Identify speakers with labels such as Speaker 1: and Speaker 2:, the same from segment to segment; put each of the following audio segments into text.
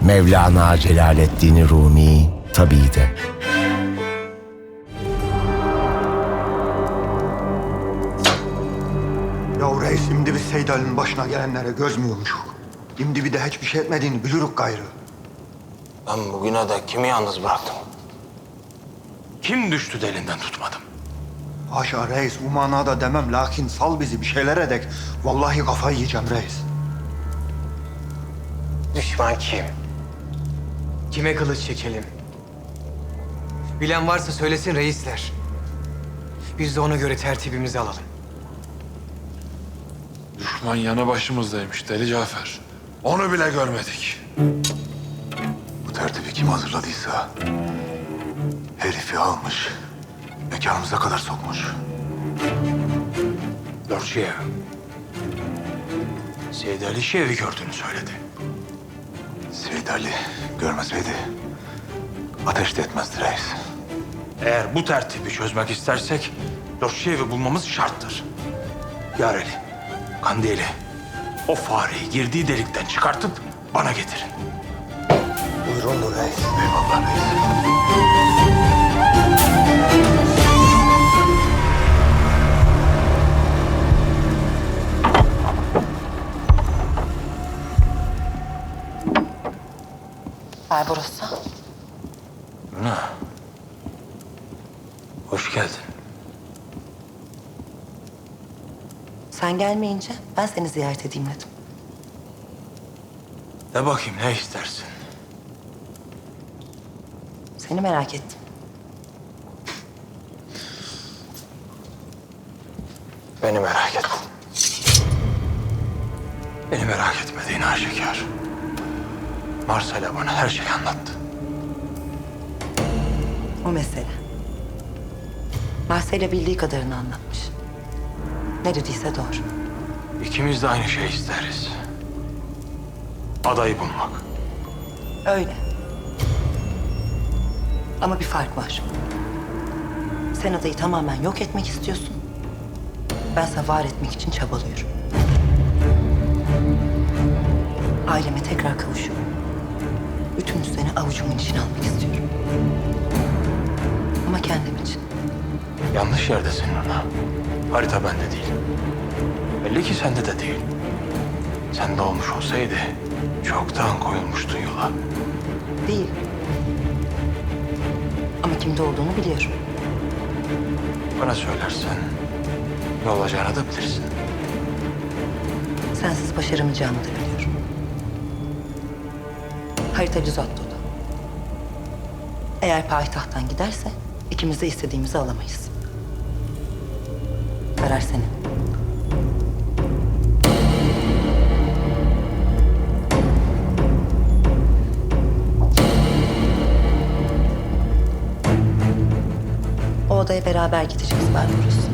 Speaker 1: Mevlana Celaleddin Rumi tabii de.
Speaker 2: Ya reis, şimdi biz Seyid Ali'nin başına gelenlere göz mü yumuşuk? Şimdi bir de hiçbir şey etmediğini bilirük gayrı.
Speaker 3: Ben bugüne de kimi yalnız bıraktım? Kim düştü de elinden tutmadım?
Speaker 2: Haşa reis, bu manada demem, lakin sal bizi bir şeyler edek. Vallahi kafayı yiyeceğim reis.
Speaker 3: Düşman kim?
Speaker 4: Kime kılıç çekelim? Bilen varsa söylesin reisler. Biz de ona göre tertibimizi alalım.
Speaker 5: Düşman yanı başımızdaymış Deli Cafer. Onu bile görmedik.
Speaker 6: Bu tertibi kim hazırladıysa herifi almış, mekanımıza kadar sokmuş.
Speaker 3: Lordşiye. Seyid Ali Şev'i gördüğünü söyledi.
Speaker 6: Seyid Ali görmeseydi ateş de etmezdi reis.
Speaker 3: Eğer bu tertibi çözmek istersek Lord Şev'i bulmamız şarttır. Yareli, Kandili, o fareyi girdiği delikten çıkartıp bana getirin.
Speaker 2: Buyurun reis.
Speaker 6: Eyvallah reis.
Speaker 7: Barbarossa.
Speaker 3: Luna, hoş geldin.
Speaker 7: Sen gelmeyince ben seni ziyaret edeyim dedim.
Speaker 3: De bakayım ne istersin?
Speaker 7: Seni merak ettim.
Speaker 3: Beni merak ettin. Beni merak etmediğin aşikar. Marcela bana her şeyi anlattı.
Speaker 7: O mesele. Marcela bildiği kadarını anlatmış. Ne dediyse doğru.
Speaker 3: İkimiz de aynı şeyi isteriz. Adayı bulmak.
Speaker 7: Öyle. Ama bir fark var. Sen adayı tamamen yok etmek istiyorsun. Bense var etmek için çabalıyorum. Aileme tekrar kavuşuyorum. Bütün düzeni avucumun içine almak istiyorum. Ama kendim için.
Speaker 3: Yanlış yerdesin Luna. Harita bende değil. Belli ki sende de değil. Sende olmuş olsaydı çoktan koyulmuştun yola.
Speaker 7: Değil. Ama kimde olduğunu biliyorum.
Speaker 3: Bana söylersen ne olacağını da bilirsin.
Speaker 7: Sensiz başaramayacağımı da biliyorum. Harita Lizotto'da. Eğer payitahttan giderse ikimiz de istediğimizi alamayız. Karar senin. O odaya beraber gideceğiz Barbaros.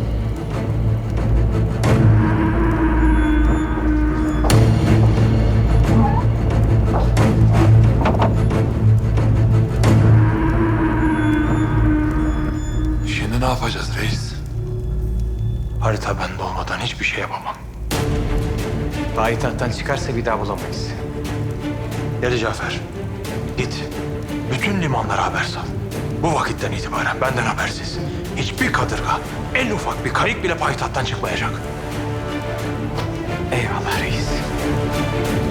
Speaker 5: Şimdi ne yapacağız reis?
Speaker 3: Harita bende olmadan hiçbir şey yapamam.
Speaker 4: Payitahttan çıkarsa bir daha bulamayız.
Speaker 3: Deli Cafer, git. Bütün limanlara haber sal. Bu vakitten itibaren benden habersiz hiçbir kadırga, en ufak bir kayık bile payitahttan çıkmayacak.
Speaker 4: Eyvallah reis.